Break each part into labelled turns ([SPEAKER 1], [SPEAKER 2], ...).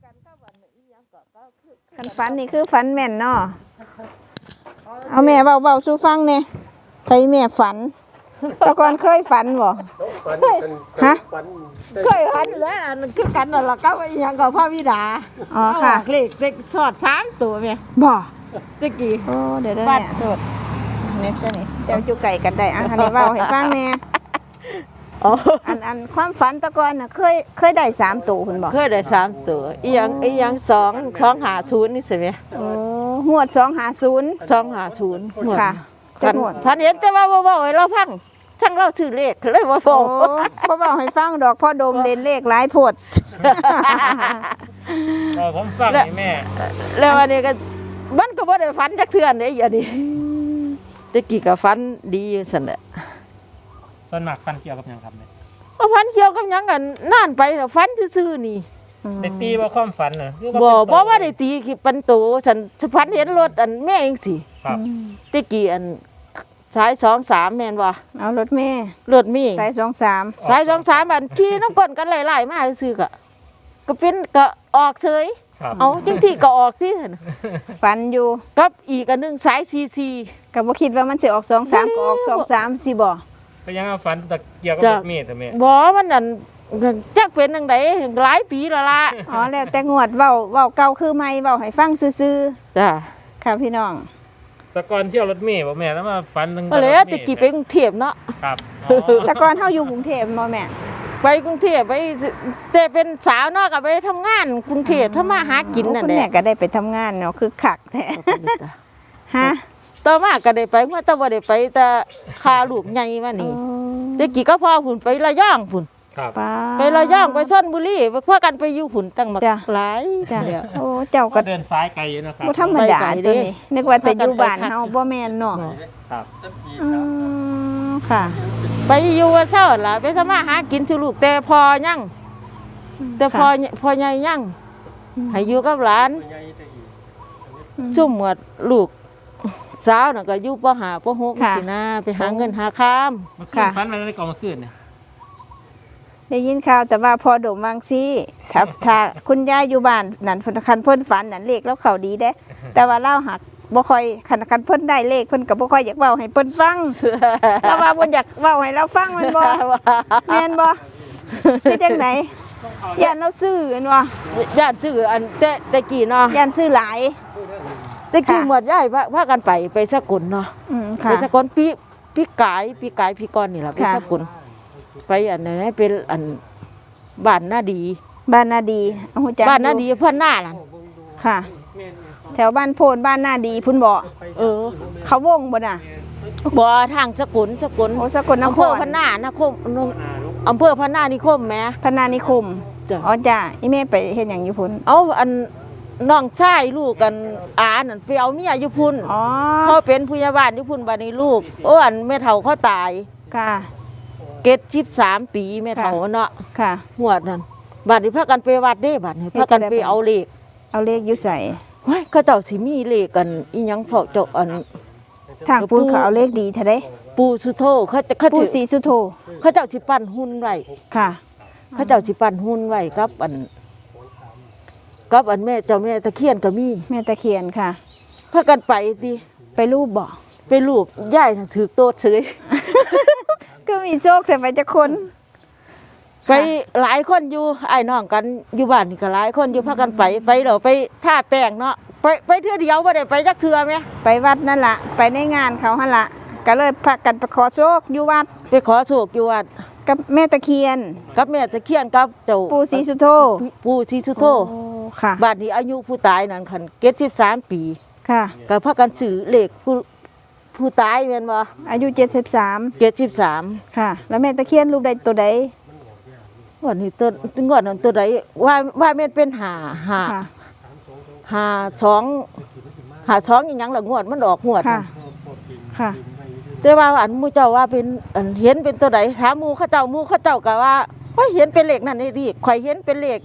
[SPEAKER 1] คันฝันนี่คือฝันแม่นเนาะเอาแม่เบาๆสู่ฟังเนี่ยใครแม่ฝันตะกอนเคยฝันบ่ฮะ
[SPEAKER 2] เคยฝันแล้วคือกันนั่นล่ะก็ยังกับพระวิดา
[SPEAKER 1] อ๋อค่ะ
[SPEAKER 2] เลขเด็กสอด3ตัวแม่
[SPEAKER 1] บ่
[SPEAKER 2] ตะกี้
[SPEAKER 1] โอ้เดี๋ยวเนี่ยโทษเนี่ยซะนี่เจ้าอยู่ไก่กันได้อันนี้เว้าให้ฟังแน่อันความฝันตะกอนน่ะเคยได้3ตัวคุณบ่
[SPEAKER 2] เคยได้3ตัวอีหยัง250นี่สิแม่
[SPEAKER 1] โอ้งวด250
[SPEAKER 2] 250
[SPEAKER 1] ค่ะ
[SPEAKER 2] พันเห็นแต่ว่าบ่ให้เราฟังช่างเราชื่อเลขเลยบ่ฟ้อง
[SPEAKER 1] บ่เว้าให้ฟังดอกพ่อดมเล่นเลขหลายโพด
[SPEAKER 3] ผมฟังนี่แม่
[SPEAKER 2] แล้วอันนี้ก็มันก็บ่ได้ฝันจักเทื่อเด้อีอันนี้ตะกี้ก็ฝันดีซั่นแหละ
[SPEAKER 3] ส่วนมากฟันเกี่ยวกับหยังครับเนี่ย
[SPEAKER 2] ฝันเกี่ยวกับหยังกันนานไปแล้วฝันซื่อๆนี่
[SPEAKER 3] ได้ตีว่าความฝันน่ะ
[SPEAKER 2] บ่ว่าได้ตีคือเป็นโตฉันฝันเห็นรถอันแม่เองสิ
[SPEAKER 3] ครับ
[SPEAKER 2] ตะกี้อันสาย23แม่นบ่
[SPEAKER 1] เอารถเมย์สาย23
[SPEAKER 2] สาย23อันขี่น้ำก้นกันหลายๆมาซื่อก็เป็นก็ออกเฉยเอาจังซี่ก็ออกที่
[SPEAKER 1] ฝันอยู่
[SPEAKER 2] กับอีกอันนึงสาย44
[SPEAKER 1] ก็บ่คิดว่ามันสิออก23ก็ออก23สิบ่
[SPEAKER 3] ก็ยังฝันแต่เกี่ยวกับรถเมล์แต่แม่
[SPEAKER 2] บ่มันนั่นจักเป็นจังได๋หลายปีแล้วล่ะ
[SPEAKER 1] อ๋อแล้วแต่งวดเว้าเก่าคือใหม่เว้าให้ฟังซื่อ
[SPEAKER 2] ๆจ้ะ
[SPEAKER 1] ค่ะพี่น้อง
[SPEAKER 3] แต่ก่อนเที่ยวรถเมล์บ่แม่แล้วมาฝันถึง
[SPEAKER 2] แล้วตะกี้ไปกรุงเทพเนาะ
[SPEAKER 3] ครับ
[SPEAKER 1] แต่ก่อนเฮาอยู่กรุงเทพบ่แม่
[SPEAKER 2] ไปกรุงเทพไปแต่เป็นสาวเนาะก็ไปทำงานกรุงเทพทำมาหากินนั่นแหละ
[SPEAKER 1] คุณแม่ก็ได้ไปทำงานเนาะคือคักแท้ฮะ
[SPEAKER 2] ต่อมาก็ได้ไปเมื่อแต่บ่ได้ไปแต่คาลูกใหญ่มานี่ตะกี้ก็พอพุ่นไประยองพุ่นไประยองไปชลบุรีพากันไปอยู่พุ่นตั้งมาหลาย
[SPEAKER 1] จ้ะโอ้เจ้าก็
[SPEAKER 3] เดินสายไกลอยู่นะครับ
[SPEAKER 1] บ่ธรรมดาตัวนี้นึกว่าแต่อยู่บ้านเฮาบ่แม่นเนาะ
[SPEAKER 3] ครับ
[SPEAKER 1] ค่ะ
[SPEAKER 2] ไปอยู่ว่าเช้าล่ะไปทำมาหากินสู่ลูกแต่พอยังแต่พอใหญ่ยังให้อยู่กับหลานจุ่มหมดลูกสาวน่ะก็อยู่ป.5 ป.6 สินะไปหาเงินหาค้าม
[SPEAKER 3] ค่ะฝันอะไรก่อนเมื่อคืนเนี่ย
[SPEAKER 1] ได้ยินข่าวแต่ว่าพอดมวังซี่ถ้าคุณยายอยู่บ้านนั่นคันเพิ่นฝันนั่นเลขแล้วเขาดีเด้แต่ว่าเล่าหักบ่ค่อยคันเพิ่นได้เลขเพิ่นก็บ่ค่อยอยากเว้าให้เพิ่นฟังแล้วว่าเพิ่นอยากเว้าให้เราฟังแม่นบ่แม่นบ่คือจังได๋ย่านเราซื้ออันว่า
[SPEAKER 2] ย่านซื้ออันแต่กี้เนาะ
[SPEAKER 1] ย่านซื้อหลาย
[SPEAKER 2] แต่กี้หมดยายพากันไปสกลเนาะไปสกลพี่กายพี่ก้อนนี่ล่ะไปสกลไปอันไหนเป็นอันบ้านนาดี
[SPEAKER 1] ฮู้จัก
[SPEAKER 2] บ้านนาดีเพิ่นหน้านั่น
[SPEAKER 1] ค่ะแถวบ้านโพนบ้านนาดีพุ่นบ่เขาวงบ่น่ะ
[SPEAKER 2] บ่ทางสกล
[SPEAKER 1] โอ้สกลนคร
[SPEAKER 2] อำเภอพะนานิคมอำเภอพะนานิคมแม่
[SPEAKER 1] พะนานิคมอ๋อจ้ะอีแม่ไปเฮ็ดหยังอยู่พุ่น
[SPEAKER 2] เอาอันน้องชายลูกกันอานั่นไปเอาเมียอยู่พุ่นเขาเป็นผู้ใหญ่บ้านอยู่พุ่นบัดนี้ลูกโอ้อันแม่เฒ่าเขาตาย
[SPEAKER 1] ค่ะ
[SPEAKER 2] เกต13 ปีแม่เฒ่าเนาะ
[SPEAKER 1] ค่ะ
[SPEAKER 2] หวดนั่นบัดนี้พากันไปวัดเด้บัดนี้พากันไปเอาเลข
[SPEAKER 1] อยู่ไส
[SPEAKER 2] เฮ้ยเขาเจ้าสิมีเลขกันอีหยังเฝ้าเจ้าอัน
[SPEAKER 1] ทางปูนเขาเอาเลขดีแท้เด้
[SPEAKER 2] ปูสุโธเขา
[SPEAKER 1] ปูสีสุโธ
[SPEAKER 2] เขาเจ้าสิปั้นหุ่นไว้
[SPEAKER 1] ค่ะ
[SPEAKER 2] เขาเจ้าสิปั้นหุ่นไว้กับอันแม่เจ้าแม่ตะเคียนก็มี
[SPEAKER 1] แม่ตะเคียนค่ะ
[SPEAKER 2] พากันไปสิ
[SPEAKER 1] ไปรูปบ่
[SPEAKER 2] ไปรูปยายถือโตดเฉย
[SPEAKER 1] ก็มีโชคแต่ไปจะคน
[SPEAKER 2] ไปหลายคนอยู่ไอ้น้องกันอยู่บ้านนี่ก็หลายคนอยู่พากันไปเดี๋ยวไปท่าแป้งเนาะไปเทื่อเดียวบ่ได้ไปจักเทื่อแม่
[SPEAKER 1] ไปวัดนั่นล่ะไปในงานเขาหั่นล่ะก็เลยพากันไปขอโชคอยู่วัด
[SPEAKER 2] ไปขอโชคอยู่วัด
[SPEAKER 1] กับแม่ตะเคียน
[SPEAKER 2] กับเจ้า
[SPEAKER 1] ปู่ศรีสุโธ
[SPEAKER 2] ค่ะบ้านนี้อายุผู้ตายนั่นคัน73 ปี
[SPEAKER 1] ค่ะ
[SPEAKER 2] ก็พากันซื้อเลขผู้ตายแม่นบ่
[SPEAKER 1] อายุ73ค่ะแล้วแม่ตะเคียนรูปใดตัวใด
[SPEAKER 2] วันนี้งวดนั้นตัวใดว่าแม่นเป็น52อีหยังล่ะงวดมันออกงวด
[SPEAKER 1] ค่ะ
[SPEAKER 2] แต่ว่าอันหมู่เจ้าว่าเป็นอันเห็นเป็นตัวใดถามหมู่เขาเจ้าก็ว่าโอ้ยเห็นเป็นเลขนั่นนี่ดิข่อยเห็นเป็นเลข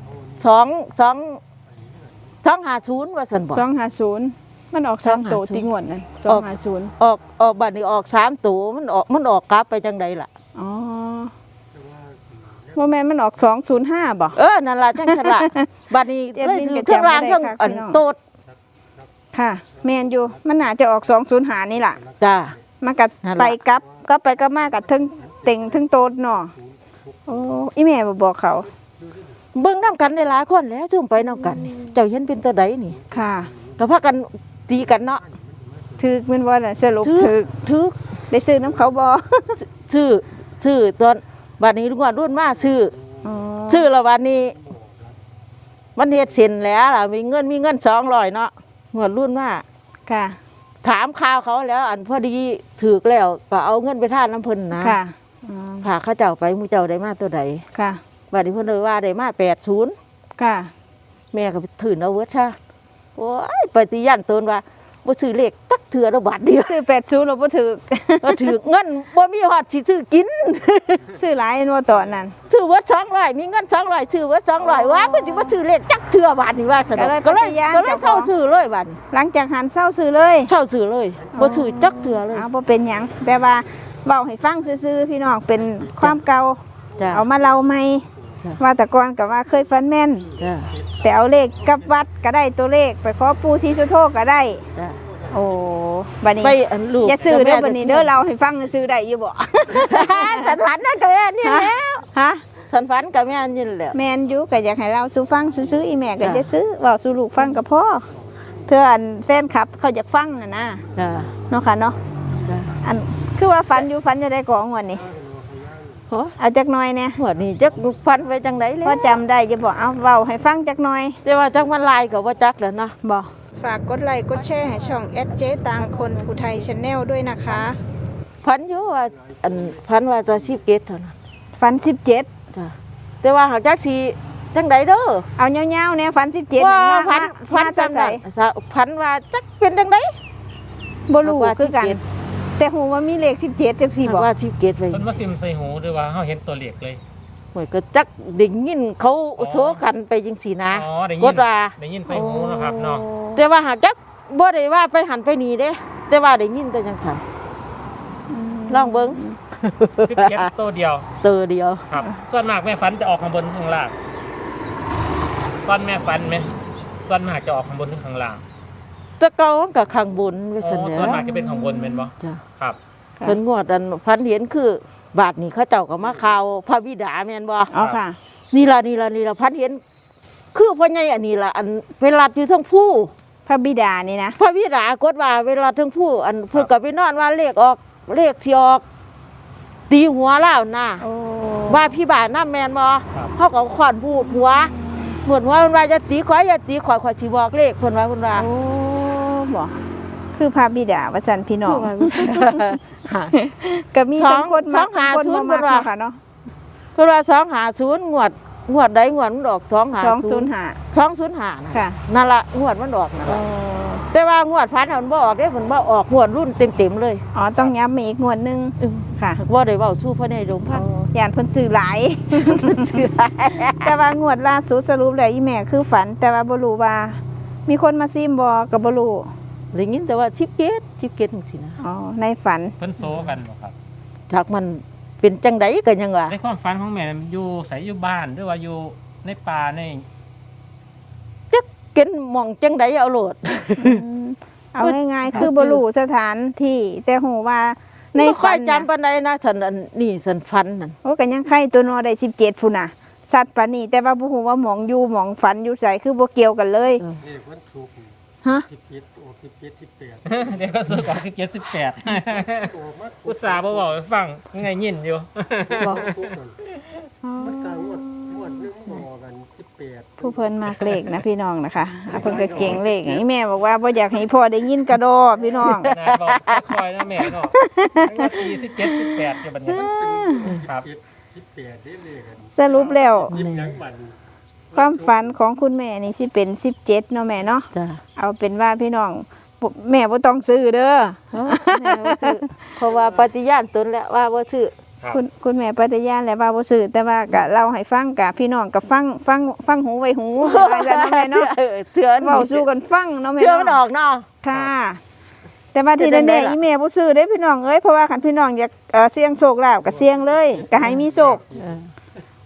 [SPEAKER 2] 250ว่าซั่นบ่
[SPEAKER 1] 250มันออก3ตัวติงวดนั่น250
[SPEAKER 2] ออกบัดนี้ออก3ตัวมันออกกลับไปจังได๋ล่ะ
[SPEAKER 1] อ๋อบ่แม่นมันออก205บ่
[SPEAKER 2] นั่นล่ะจังฉลาดบัดนี้
[SPEAKER 1] เจ็ด
[SPEAKER 2] เลย
[SPEAKER 1] บิน
[SPEAKER 2] ถื
[SPEAKER 1] ก็
[SPEAKER 2] อเครื่องราง
[SPEAKER 1] จำบ่ได้
[SPEAKER 2] เครื่อง
[SPEAKER 1] ค่ะ
[SPEAKER 2] อัน
[SPEAKER 1] พี่น้อง
[SPEAKER 2] โตด
[SPEAKER 1] ค่ะ แม่นอยู่มันน่าจะออก205นี่ล่ะ
[SPEAKER 2] จ้า
[SPEAKER 1] มันก็
[SPEAKER 2] นั่นล่ะ
[SPEAKER 1] ไปกลับก็ไปก็มากับเทึงเต็งเทึงโตดเนาะโอ้อีแม่บ่บอกเขา
[SPEAKER 2] เบิ่งนํกันได้หลายคนแล้วจุ่มไปนํกันนี่เจ้าเห็นเป็นตัวใดนี่
[SPEAKER 1] ค่ะ
[SPEAKER 2] ก็พากันตีกันเนาะ
[SPEAKER 1] ถึกแม่นบ่น่ะสรุป
[SPEAKER 2] ถึก
[SPEAKER 1] ถึกได้ซื้อน้ำเขาบ่
[SPEAKER 2] ชื่อตอนบัดนี้ลุงว่ารุ่นมาชื่อ
[SPEAKER 1] อ๋อ
[SPEAKER 2] ชื่อละวันนี้มันเฮ็ดเสร็จแล้วล่ะมีเงิน200เนาะงวดรุ่นมา
[SPEAKER 1] ค่ะ
[SPEAKER 2] ถามข่าวเขาแล้ว อันพอดีถูกแล้วก็เอาเงินไปทานน้ำเพิ่นนะ
[SPEAKER 1] ค่ะอ๋อ
[SPEAKER 2] พาเขาเจ้าไปหมู่เจ้าได้มาตัวใด
[SPEAKER 1] ค่ะ
[SPEAKER 2] บัดนี้เพิ่นเลยว่าได้มา80
[SPEAKER 1] ค่ะ
[SPEAKER 2] แม่ก็ไปถือเอาเวิร์ดค่ะโอ้ยไปตียันตนว่าบ่ซื้อเลขตักเถื่อละบาทเดียว
[SPEAKER 1] ซื้อ80แล้วบ่ถึก
[SPEAKER 2] ก็ถือเงินบ่มีฮอดสิซื้อกิน
[SPEAKER 1] ซื้อหลายอันว่าตอนนั้น
[SPEAKER 2] ซื้อเวิร์ด200มีเงิน200ซื้อเวิร์ด200ว่าก็สิบ่ซื้อเลขจักเถื่อบาทนี่ว่าซั่น
[SPEAKER 1] ก็เลย
[SPEAKER 2] ก็เลยเช่าซื้อเลยบาดนี้
[SPEAKER 1] หลังจากหันเศร้าซื้อเลย
[SPEAKER 2] เช่าซื้อเลยบ่ซื้อจักเถื่อเลย
[SPEAKER 1] เอาบ่เป็นหยังแต่ว่าเว้าให้ฟังซื่อๆพี่น้องเป็นความเก่า
[SPEAKER 2] จ้ะ
[SPEAKER 1] เอามาเล่าใหม่
[SPEAKER 2] จ้ะ
[SPEAKER 1] ว่าแต่ก่อนก็ว่าเคยฝันแม่น
[SPEAKER 2] จ้ะ
[SPEAKER 1] ไปเอาเลขกับวัดก็ได้ตัวเลขไปขอปู่ศรีสุโธก็ได้
[SPEAKER 2] จ้ะ
[SPEAKER 1] โอ้บัดนี้
[SPEAKER 2] ไปอันลูก
[SPEAKER 1] อย่าซื้อเด้อ
[SPEAKER 2] กับแม่
[SPEAKER 1] บัดนี้เด้อเราให้ฟังซื้อได้อยู่บ่
[SPEAKER 2] ฉันฝันนั่นก็แม่นี่
[SPEAKER 1] ฮะ
[SPEAKER 2] แล้ว
[SPEAKER 1] ฮะ
[SPEAKER 2] ฉันฝันกับแม่นี่แหละ
[SPEAKER 1] แม่นอยู่ก็อยากให้เราสู่ฟังซื้อๆอีแม่ก็
[SPEAKER 2] จ้ะ
[SPEAKER 1] จะซื้อเว้าสู่ลูกฟังก็พอเธออันแฟนคลับเขาอยากฟังน่ะนะ
[SPEAKER 2] จ้ะ
[SPEAKER 1] เนาะค่ะเนาะ
[SPEAKER 2] จ้ะ
[SPEAKER 1] อันคือว่าฝันอยู่ฝันจะได้ของวันนี้
[SPEAKER 2] โอ้
[SPEAKER 1] เอาจักหน่อยเนี่ย
[SPEAKER 2] หัวนี่จักฝันไปจังได๋แล้ว
[SPEAKER 1] พอจำได้จะบอกเอาเว้าให้ฟังจักหน่อย
[SPEAKER 2] แต่ว่าจักมันลายก็บ่จักแล้วเนาะ
[SPEAKER 1] บอกฝากกดไลค์กดแชร์ให้ช่องเจ๊ตางคนผู้ไทยชาแนลด้วยนะคะ
[SPEAKER 2] ฝันอยู่ว่าอันฝันว่าจะชีพเกตเท่านั้น
[SPEAKER 1] ฝัน17
[SPEAKER 2] จ้ะแต่ว่าหากจักสิจังไดเด้อ
[SPEAKER 1] เอาเงาๆเนี่ยฝัน17
[SPEAKER 2] ว่า
[SPEAKER 1] นั่น
[SPEAKER 2] ฝัน
[SPEAKER 1] มา
[SPEAKER 2] จำ
[SPEAKER 1] จะ
[SPEAKER 2] ได้
[SPEAKER 1] ใส่
[SPEAKER 2] ฝันว่าจักเป็นจังได
[SPEAKER 1] บ่รู้
[SPEAKER 2] ว่า
[SPEAKER 1] คือกัน
[SPEAKER 2] 17
[SPEAKER 1] แต่หูว่ามีเลข17จังซี่บอก
[SPEAKER 2] ว่าชีพเกตไป
[SPEAKER 3] เพิ่นมาซิมใส่หูด้วยว่าเฮาเห็นตัวเลขเลย
[SPEAKER 2] หวยก็จักได้ยินเขาโซกันไปจังซี่นะ
[SPEAKER 3] อ๋อได้ยิ
[SPEAKER 2] ก
[SPEAKER 3] น
[SPEAKER 2] ดว่า
[SPEAKER 3] ได้ยินใส่หูนะครับเนาะ
[SPEAKER 2] แต่ว่าหากจักบ่ได้ว่าไปหันไปนี่เด้ แต่ว่าได้ยินแต่จังซั่นลองเบิ่ง
[SPEAKER 3] 17ตัวเดียว
[SPEAKER 2] เตอเดียว
[SPEAKER 3] ครับ ส่วนมากแม่ฝันจะออกข้างบนข้างล่างตอนแม่ฝันไหมส่วนมากจะออกข้างบนหรือข้างล่าง
[SPEAKER 2] แต่เก่ามันก็ข้างบนไว้
[SPEAKER 3] อ๋
[SPEAKER 2] ซั่น
[SPEAKER 3] อ
[SPEAKER 2] แหล้
[SPEAKER 3] ส่วน
[SPEAKER 2] ว
[SPEAKER 3] มากจะเป็นข้างบนเป็นบ่
[SPEAKER 2] จ้ะ
[SPEAKER 3] ครับ
[SPEAKER 2] เพิ่นงวดอันฝันเห็นคือบาทนี้เขาเจ้าก็มาข่าวพระบิดาแม่นบ่
[SPEAKER 1] เอาค่ะ
[SPEAKER 2] นี่ล่ะพันเห็นคือพ่อใหญ่อันนี้ล่ะอันเวลาอยู่เทั้งผู้
[SPEAKER 1] พระบิดานี่นะ
[SPEAKER 2] พระบิดากดว่าเวลาเทั้งผู้อันเพิ่นก็ไปนอนว่าเลขออกเลขสิออก ตีหัวแล้วน่ะ
[SPEAKER 1] โอ้
[SPEAKER 2] ว่าพี่บ้านน้าแม่นบ่
[SPEAKER 3] ครับ
[SPEAKER 2] เฮาก็ขอนพูดหัวหมดหัวมันว่าอย่าตีข่อยอย่าตีข่อยสิบอกเลขเพิ่นว่า
[SPEAKER 1] โอ้บอกคือพระบิดาว่าซั่นพี่น้อง ก็มีทั้งคนมาทั้งคนบ่มักเนาะค่ะเนาะ
[SPEAKER 2] เพิ่นว่า250งวดใดงวดมันออก250
[SPEAKER 1] 205
[SPEAKER 2] 205นะ
[SPEAKER 1] ค่ะ
[SPEAKER 2] นั่นล่ะงวดมันออกนั่น
[SPEAKER 1] โอ้
[SPEAKER 2] ล่ะแต่ว่างวดพันมันบ่ออกเด้มันบ่ออกงวดรุ่นเต็มๆเลย
[SPEAKER 1] อ๋อต้องย้ำมาอีกงวดหนึงค่ะ
[SPEAKER 2] บ่ได้เว้าสู้พระในโรงพัก
[SPEAKER 1] ย่านเพิ่นซื้อหลาย
[SPEAKER 2] ชื่อ
[SPEAKER 1] แต่ว่างวดล่าสุดสรุปแล้วอีแม่คือฝัน แต่ว่าบ่รู้ว่า มีคนมาซิมบ่ก็บ่รู้
[SPEAKER 2] ได้ยินแต่ว่าชิปเกตจังซี่นะ
[SPEAKER 1] อ๋อในฝัน
[SPEAKER 3] เพิ่นโซกันบ่ครับ
[SPEAKER 2] จากมันเป็นจังไดก็ยังว่า
[SPEAKER 3] ในความฝันของแม่อยู่ใส่อยู่บ้านหรือว่าอยู่ในป่าใน
[SPEAKER 2] เกินหมองจังไดเอาโลด
[SPEAKER 1] เอาง่ายๆคือบ่รู้สถานที่แต่ฮู้ว่าใน
[SPEAKER 2] บ่ค่
[SPEAKER 1] ฝั
[SPEAKER 2] อย
[SPEAKER 1] น
[SPEAKER 2] จำปานใดนะฉันอันนี่ฉันฝันนั่น
[SPEAKER 1] โอ้ก็ยังไข่ตัวนอได้17พุ่นน่ะสัตว์ปานนี้แต่ว่าบ่ฮู้ว่าหมองอยู่หมองฝันอยู่ไสคือบ่เกี่ยวกันเลย
[SPEAKER 4] เลขวันศุกร์
[SPEAKER 1] ฮะ
[SPEAKER 4] 17โอ้17 18
[SPEAKER 3] เดี๋ยวก็ซื้อของ17 18
[SPEAKER 4] โอ้มา
[SPEAKER 3] อุตส่าห์บ่บอกให้ฟังไงยินอยู่
[SPEAKER 1] บอก
[SPEAKER 4] ทุกนั่นมันกลางงวดนึงบอกกัน18
[SPEAKER 1] ผู้เพิ่นมากเลขนะพี่น้องนะคะอ่ะเพิ่นก็เก่งเลขไงแม่บอกว่าบ่อยากให้พ่อได้ยินกระโดดพี่น้อง
[SPEAKER 3] นะบอกคอยนะแม่เนาะทั้งว่าปี17 18อยู่บัดนี้ครับ
[SPEAKER 4] 18ได้เลขกัน
[SPEAKER 1] สรุปแล้ว
[SPEAKER 4] ยิ้มยังบัน
[SPEAKER 1] ความฝันของคุณแม่นี่สิเป็น17เนาะแม่เนาะ
[SPEAKER 2] จ้ะ
[SPEAKER 1] เอาเป็นว่าพี่น้องแม่บ่ต้องซื้อเด้อ
[SPEAKER 2] แม่บ่ซื้อเพราะว่าปฏิญาณตนแล้วว่าบ่ซื้อ
[SPEAKER 3] ครับ
[SPEAKER 1] คุณแม่ปฏิญาณแล้วว่าบ่ซื้อแต่ว่าก็เล่าให้ฟังกะพี่น้องก็ฟังหูไว้หูว่าซั่นเนาะแม่เนาะ
[SPEAKER 2] เถื่อน
[SPEAKER 1] เว้าสู้กันฟังเนาะแม่
[SPEAKER 2] เถื่อนมันอ
[SPEAKER 1] เนาะ
[SPEAKER 2] อกเนาะ
[SPEAKER 1] ค่ะ แต่ว่าที่
[SPEAKER 2] จะได้
[SPEAKER 1] แน่
[SPEAKER 2] ล่ะ
[SPEAKER 1] ๆอีแม่บ่ซื้อเด้พี่น้องเอ้ยเพราะว่าคันพี่น้องอยากเสี่ยงโชคลาภก็เสี่ยงเลยก็ให้มีโชค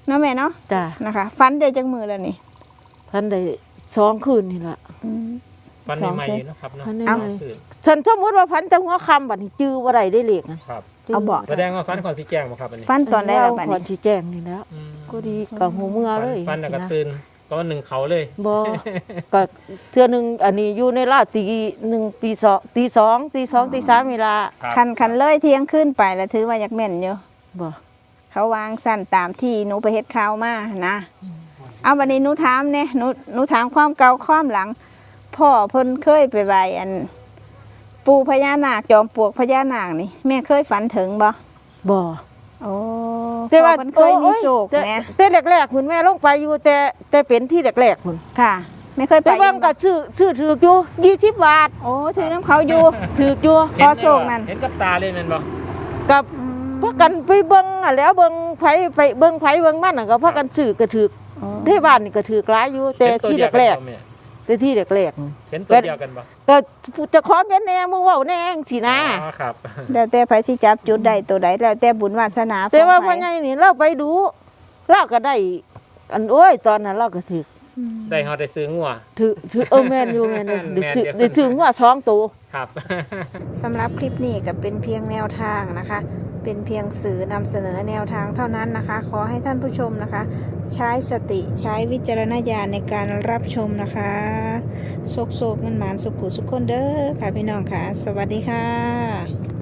[SPEAKER 1] เนาะแม่เนาะ
[SPEAKER 2] จ้ะ
[SPEAKER 1] นะคะฝันได้จังมือแล้วนี่
[SPEAKER 2] พันได้2คืนนี่ล่ะ
[SPEAKER 3] ฟัน
[SPEAKER 1] สอง
[SPEAKER 3] ใหม่
[SPEAKER 1] คืน
[SPEAKER 3] ๆนะครับเนาะ
[SPEAKER 2] พันได้
[SPEAKER 1] เอ้า
[SPEAKER 2] ไหม
[SPEAKER 3] คือ
[SPEAKER 2] ฉันสมมุติว่าพันแต่หัวค่ำบัดนี้จื้อบ่ได้ได้เลขนะครับ
[SPEAKER 1] เอาบอก
[SPEAKER 3] แสดงว่าฟันก่อนพี่แจ้งบ่ครับอันนี้
[SPEAKER 1] ฝันตอนได้ละบัด
[SPEAKER 2] ก่อน
[SPEAKER 1] นี้
[SPEAKER 2] สิแจ้งนี่แล้ว
[SPEAKER 3] อืม
[SPEAKER 2] ก็ดีกับหูเมื่อเลย
[SPEAKER 3] ฟันแล้วก็
[SPEAKER 2] สินะ
[SPEAKER 3] ตื่นตอนหนึ่งเขาเลย
[SPEAKER 2] บ่ ก็เทื่อหนึงอันนี้อยู่ในราวตี1ตี2ตี2ตี2ตี3เวลา
[SPEAKER 3] ครับ
[SPEAKER 1] คันเลยเที่ยงขึ้นไปแล้วถือว่าอยากแม่นอยู่
[SPEAKER 2] บ่
[SPEAKER 1] เขาวางสั้นตามที่หนูไปเฮ็ดข่าวมานะเอาวันนี้หนูถามเนี่ยหนูถามความเก่าความหลัง พ่อเพิ่นเคยไปไหว้อัน ปู่พญานาคจอมปลวกพญานาคนี่แม่เคยฝันถึงบ่
[SPEAKER 2] บ่
[SPEAKER 1] โอ้
[SPEAKER 2] แต่ว่า
[SPEAKER 1] พ่อเพิ่นเคยมีโศก
[SPEAKER 2] แต่
[SPEAKER 1] แหม
[SPEAKER 2] แต่แรกๆคุณแม่ลงไปอยู่แต่เป็นที่แรกๆคุณ
[SPEAKER 1] ค่ะ ไม่เคยไป
[SPEAKER 2] แต่ว่าก็ชื่อถือกอยู่20บาท
[SPEAKER 1] โอ้ถือน้ำเขาอยู่
[SPEAKER 2] ถือกอยู่
[SPEAKER 1] พอโศกนั่น
[SPEAKER 3] เห็นกับตาเลยแม่นบ่
[SPEAKER 2] กับพากันไปเบิ่งอะแล้วเบิ่งไผไปเบิ่งไผเบิ่งมันน่ะก็พากันซื้อก็ถือก
[SPEAKER 1] โอ้
[SPEAKER 2] ที่บ้านนี่ก็ถือกหลายอยู่แต่ที่แรก
[SPEAKER 3] ๆเห็นตัวเดียวกันบ่แม่
[SPEAKER 2] ๆแต่ที่แรก
[SPEAKER 3] เห็นตัวเดียวกันบ่
[SPEAKER 2] ๆก็เจะของเงินแน่มึงเว้าแน่จังสินะ
[SPEAKER 3] อ๋อครับ
[SPEAKER 1] แล้วแต่ไผสิจับจุดใดตัวใดแล้วแต่บุญวาสนา
[SPEAKER 2] แต่ว่า
[SPEAKER 1] ของ
[SPEAKER 2] พ่อ
[SPEAKER 1] ไผ
[SPEAKER 2] ใหญ่นี่เราไปดูเราก็ได้ อันโอ้ยตอนนั้นเราก็ถือ
[SPEAKER 3] ได้เฮาได้ซื้องัว
[SPEAKER 2] ถือแม่นอยู่แม่นอยู่
[SPEAKER 3] แม่น
[SPEAKER 2] ได้ถือว่า2ตัว
[SPEAKER 3] ครับ
[SPEAKER 1] สำหรับคลิปนี้ก็เป็นเพียงแนวทางนะคะ เป็นเพียงสื่อนำเสนอแนวทางเท่านั้นนะคะ ขอให้ท่านผู้ชมนะคะ ใช้สติใช้วิจารณญาณในการรับชมนะคะโศกมันหมานสุขุสุขคนเด้อค่ะพี่น้องค่ะ สวัสดีค่ะ